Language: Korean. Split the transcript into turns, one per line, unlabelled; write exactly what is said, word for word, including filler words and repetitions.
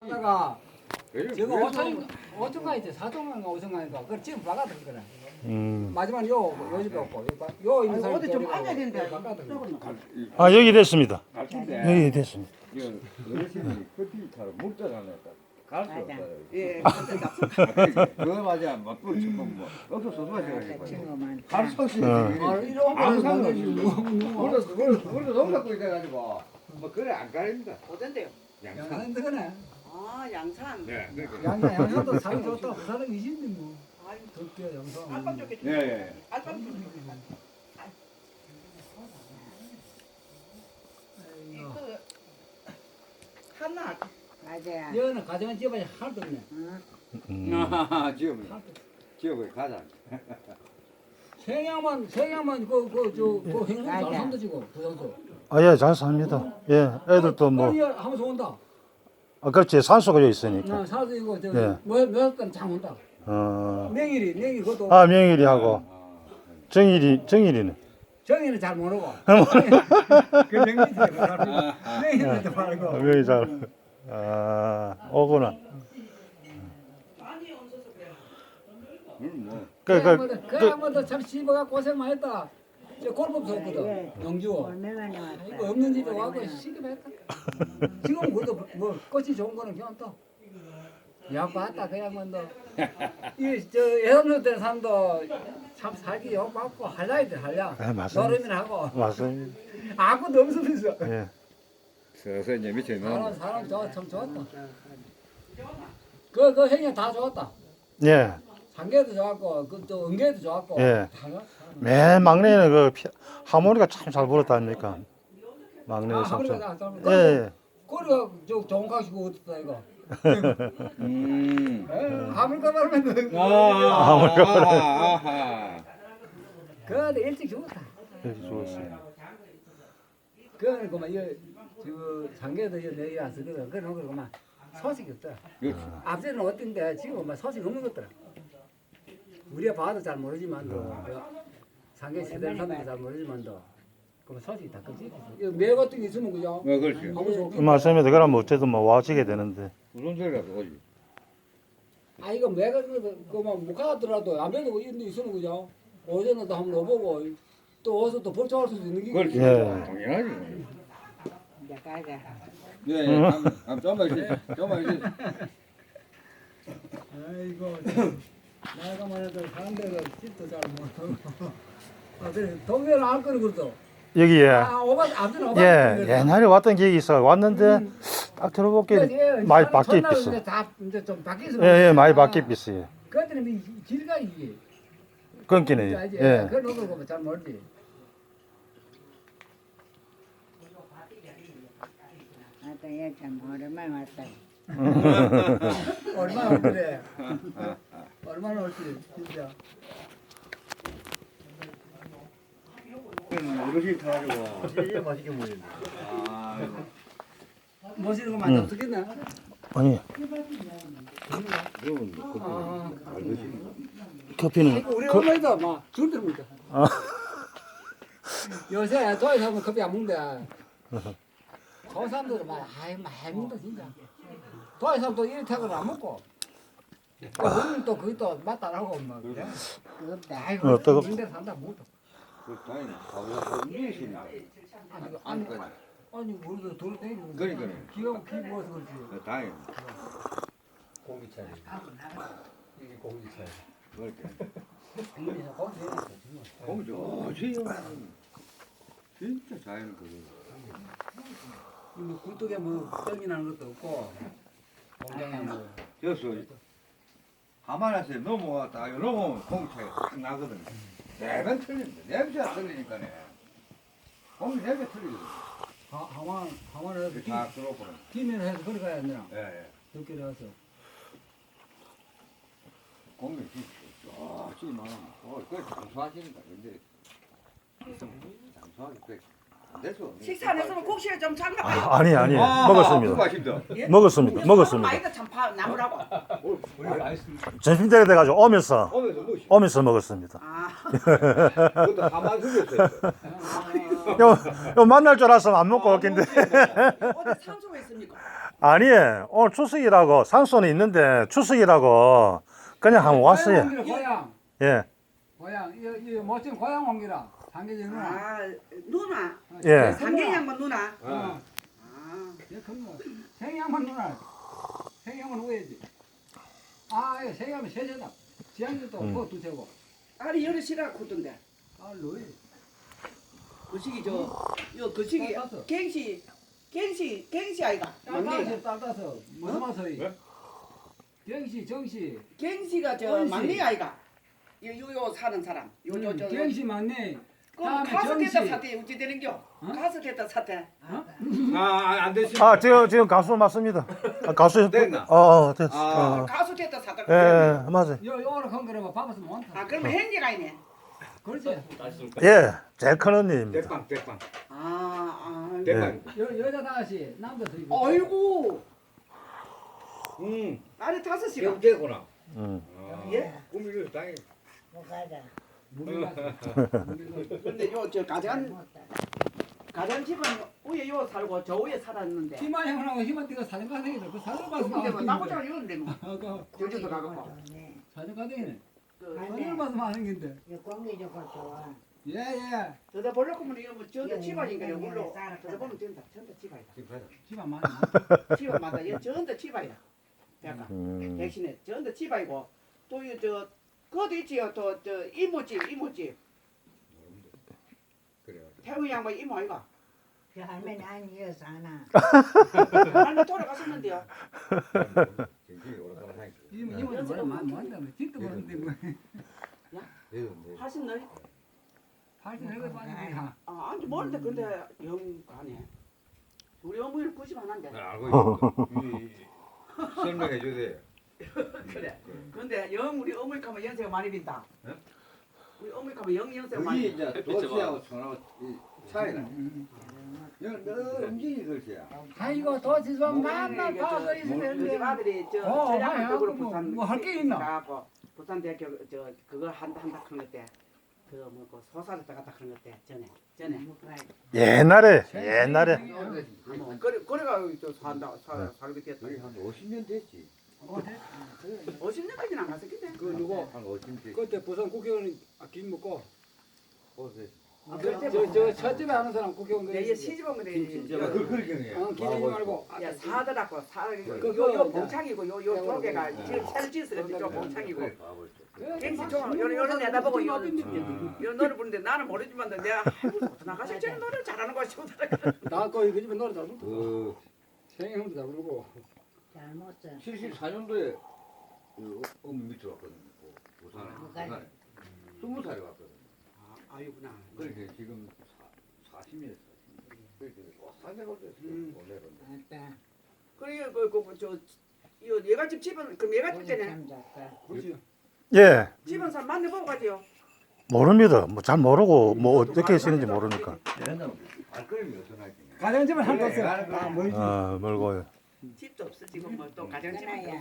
내가
요즘
지금
그래서
오천 오천가 있지 사천가 오천가인가 그걸 지금 바꿔든 거라.
음.
마지막 요 요집에 없고 요, 바- 요 있는 사람
어디 좀 앉아야 된다.
바꿔든 거.
이-
아 여기 됐습니다.
갈치인데
여기 됐습니다.
이거 어르신이 커피차로 묵다 가냈다. 갈수
맞아.
없어요.
예.
그거 맞아. 맞불 지금 뭐 없어 소소하게
그
가지고.
친구만.
갈 수 없이.
어.
아 이런
아무
거는
상관없이.
상관없이
우리도 우리도 우리도 너무 갖고 있어 가지고 뭐 그래 안 가립니다.
어딘데요?
양산.
양산 그네.
아 양산.
네. 그러니까.
양산 양산도 사람 좋다. 그 사람 이신데 뭐.
아유,
덕대 양산.
알밤 쪽에.
예 예.
알밤 쪽에.
아이고.
그 하나. 맞아요.
여는 가정한 집안이 하나도 없네.
음.
아 지금 지역을 가자.
생양만 생양만 그그저그 행성 잘
맞아.
산다지고 부산서.
아예 잘 삽니다. 예, 애들도 뭐,
아니, 하면서 온다.
아 그렇지 산소가 여기 있으니까.
나 사도 이거
예.
저몇몇건장 온다.
어.
냉일이 냉일 그것도
아 명일이 하고 정일이 정일이는.
정의는 잘 모르고. 그 냉일이 잘 모르고. 냉일도
아,
말고.
명이 잘. 아 오구나.
음 뭐.
그그
그 그야말로 참 씨부가 고생 많이 했다. 저 골법도 없거든.
예.
영주.
얼마만에
이거
왔다.
없는 집에 와고 시급했다. 지금 그래도 뭐 꽃이 좋은 거는 괜찮다. 야 봤다 그야말로. 이저 예산로 때 산도 참 살기 요 받고 할라야 돼 할라.
아, 맞습니다.
노름이나 하고
맞습니다.
아무도 없으면서.
예.
서서 이제 밑에
사람
넣어.
사람 좋아 참 좋았다. 그그 행위 다 좋았다.
예.
상계도 좋았고 그또 은계도 좋았고.
예.
다 좋았다.
맨 막내는 그 피, 하모니가 참 잘 불었다 아닙니까? 막내
아,
삼촌.
하모니가 다 잘
예. 예.
그래가 저 좋은 가시고 어떻다 이거.
음.
아무리가 말하면 그.
아, 아하, 아하.
그런데 일찍 죽었다.
이렇게 좋았어요.
그거는 그만 이저 상계도 이내 얘기 안 쓰거든. 그런 거 그만 소식이 없더라.
그렇지.
앞전에는 어떤데 지금 막 소식 없는 것더라. 우리가 봐도 잘 모르지만도 그 상계 시대를 사람도 잘 모르지만도 그 소식이 다 끊기지. 매 같은 게 있으면 그죠?
어, 그렇지.
하면서
그 맞습니다. 그러면 어쨌든 뭐 와지게 되는데.
무슨 소리가 그거지?
아 이거 매 같은 거그만 못 가더라도 안 돼도 이런 데 있으면 그죠? 오전에도 한번 넣어보고 또 어서 또 벌초할 수도 있는 게.
그렇지.
예.
당연하지.
이제 가자.
예, 예. 한, 한 좀만 있어. 좀만 있어.
아이고 나이가만 해도 사람들은 집도 잘 모르고. 아 그래 동네를 알 거는 그래도.
여기에
아 오바 앞전 오바.
예 옛날에 왔던 기억이 있어 왔는데 딱 들어볼게 많이 바뀌 있어.
이제 다 이제 좀 바뀌어서.
예예 많이 바뀌 있어요.
그들은 길가 이게.
끊기네. 예.
그런 거 보면 잘 모르지.
아따 얘참 오랜만에 왔다.
얼마나 올 그래. 얼마나 올지 진짜.
어르신 타가지고.
진짜 맛있게 먹는데.
아,
멋있는 거 많이 없겠나?
아니
그건 뭐,
아,
커피는
이거 우리
그,
엄마도 막줄 들입니다.
아.
요새 저희 사람은 커피 안 먹는데. 저 사람들은 막 아이 많이 먹는다 진짜. 저희 사람도 이렇게는 안 먹고. 우리는 또 그게 또 맛 따라고 막 그래. 아이고
어, 뜨겁-
이런 데 산다 못도.
그 다행히 가보자. 움직이시니까.
아니 아니 아니 우리도 돌아다니는
그러니까요.
기가 기 모아서 그렇지.
다행히.
공기차이. 이게 공기차이.
그렇게.
국민에서 거기 되는 거지.
공기 좋지. 진짜 자연 그거.
뭐 굴뚝에 뭐 떡이 나는 것도 없고 공장에 뭐
여기서 하만에서 넘어갔다 넘어오면 공기차가 확 나거든. 매번 틀린다. 냄새가 틀리니까네. 공기 냄새 틀리거든.
하, 하만 하만에서
이렇게 다 들어오거든.
비밀 해서 그리 가야 되나?
예, 예.
늦게 와서
공기 진짜 좋지 많아. 어, 그걸 장수하시니까 근데 장수하기 그안 돼서.
식사 안 했으면 국시에 좀 잠가봐요.
아, 아니 아니
그거
먹었습니다.
맛있다.
먹었습니다. 먹었습니다.
많이도 참 파, 나무라고.
우리 아이스
점심 때가 돼가지고 오면서
오면서 뭐시?
오면서 먹었습니다.
아.
그것도 하만 숙였어요.
요, 요 만날 줄 알았으면 안 먹고 왔긴데.
어디 산소가 있습니까?
아니, 오늘 추석이라고, 산소는 있는데 추석이라고 그냥 한번 왔어요.
고향 옮기라, 고향.
예,
고향. 이, 이 멋진 고향 옮기라. 장계지 누나.
아 누나.
예.
장계양만 누나.
어.
아.
얘 큰거. 생양만 누나. 생양만 오해지. 아, 이거 생양은 세세다. 지향이도
음.
그거 두채고.
아니 열이 싫어 굳던데.
아, 로이.
거시기 저요 거시기
따서.
갱시 갱시 갱시 아이가 막내
딸따서, 딸따서. 무슨 맛이? 경시, 정시.
갱시가 저
갱시.
막내 아이가 요요요 사는 사람 요요저
음, 경시 맞네.
그럼
다음에
가서
정시.
됐다 사태 어찌 되는겨?
어?
가서 됐다 사태.
아안 되시.
아, 지금, 지금 가수 맞습니다. 아, 가수,
됐나?
어, 어, 됐어.
아.
어.
가서 됐다 사태.
예, 예, 맞아요.
요, 요로 건 거라고 밥에서 많다.
아 그러면 행기가 있네.
그렇지.
예, 제일 큰 언니입니다.
대빵 대빵
아, 아.
대빵.
여, 여자 다시, 남자 둘이.
아이고
음.
나를 다섯이가.
영재구나.
음.
예?
꿈이 당해.
무리 가서.
근데 요 저 가장 가장 집은 위에 요 살고 저 위에 살았는데.
희만 형하고 희만 띠가 사진 가생이다. 그 사진 봐서
근데 뭐
나왔는데.
나보다 이런데 뭐.
어, 그
제주도 가고.
사진 가생이네.
그
사진 봐서 많은 건데.
공기 좋고 좋아.
예, 예.
저다 보려고 하면 이거 뭐 저다 집안인가 요 물로. 저다 보면 전다 전다 집안이다.
집안 많이.
집안마다 얘 전다 집안이다. 약간
음.
대신에 전다 집안이고 또이저 그것도 있지요. 또 저 이모집 이모집.
그래.
태우 양반 이모 아이가.
그 할머니 아니어서 하나.
할머니 돌아가셨는데요.
굉장히 오래간만에 하니까.
이모 이모도 뭐라 많이 많다며. 진짜 모르는데 뭐.
내던데.
하신 널?
팔십 해가 빠지니까.
아 아니 모르는데 근데 영 가네. 우리 어머니는 구십 하나인데.
나 알고 있어. 이- 설명해 줘야 돼.
그래. 근데 영 우리 어머니 가면 연세가 많이 빈다.
예?
우리 어머니 가면 영 연세가
그게
많이.
이제 도시하고 천하고 이 차이나. 이건 너 움직이 글씨야.
아이고 도시선 만만 봐서
우리
있으면
집
되는데.
아들이 저
어,
전략적으로
뭐,
부산
뭐할게 있나?
가고 부산 대학교 저 그거 한다 한다 그런 것 때. 그 뭐고 소사를 따갔다 그런 것 때 전에 전에.
옛날에, 옛날에.
뭐 그래 그래가 저 산다 사 살게 됐다.
거의 한 오십 년 됐지.
오십 년까지는 안 갔었겠네.
그 누구?
한 오십 년 됐지.
그때 부산 국회의원 김 먹고.
어제.
아, 그때
저 저 첫집에 하는 사람 국회의원 그.
얘 시집 오면 돼.
진짜 그 그렇게
어, 기대지 말고.
야 사더라고 사
그,
요요
그,
봉창이고 요요
그,
조개가
그,
지금 새로 짓으래 저 봉창이고
그래,
갱시
막
좀 요런 요런 내다보고 요
음.
요 노래 부르는데 나는 모르지만 내가 나가실 때 노래 잘하는 거 싶더라.
나 거기 그 집에 노래 잘 부르고.
그
생형도 잘 부르고.
잘못 써.
칠십사 년도에 그 어미 밑으로 왔거든. 그 부산에.
누가?
부산에. 스무 살에 왔거든.
아, 아유구나.
그렇게 지금 사십 년 그렇게 사개월 됐어.
음.
오늘은.
아따.
그래 그그저 이 얘가집 집은 그럼 얘가집
고기
때네
참 좋다.
그렇지.
예,
집은 사람 만나보고 가지요.
모릅니다. 뭐 잘 모르고, 뭐 어떻게 쓰는지 모르니까.
얘는 발걸음이 어떠나지?
가정집을 할 것을.
그래,
아, 멀지.
아, 멀고요.
집도 없어 지금 뭐 또 가정집은
그나야.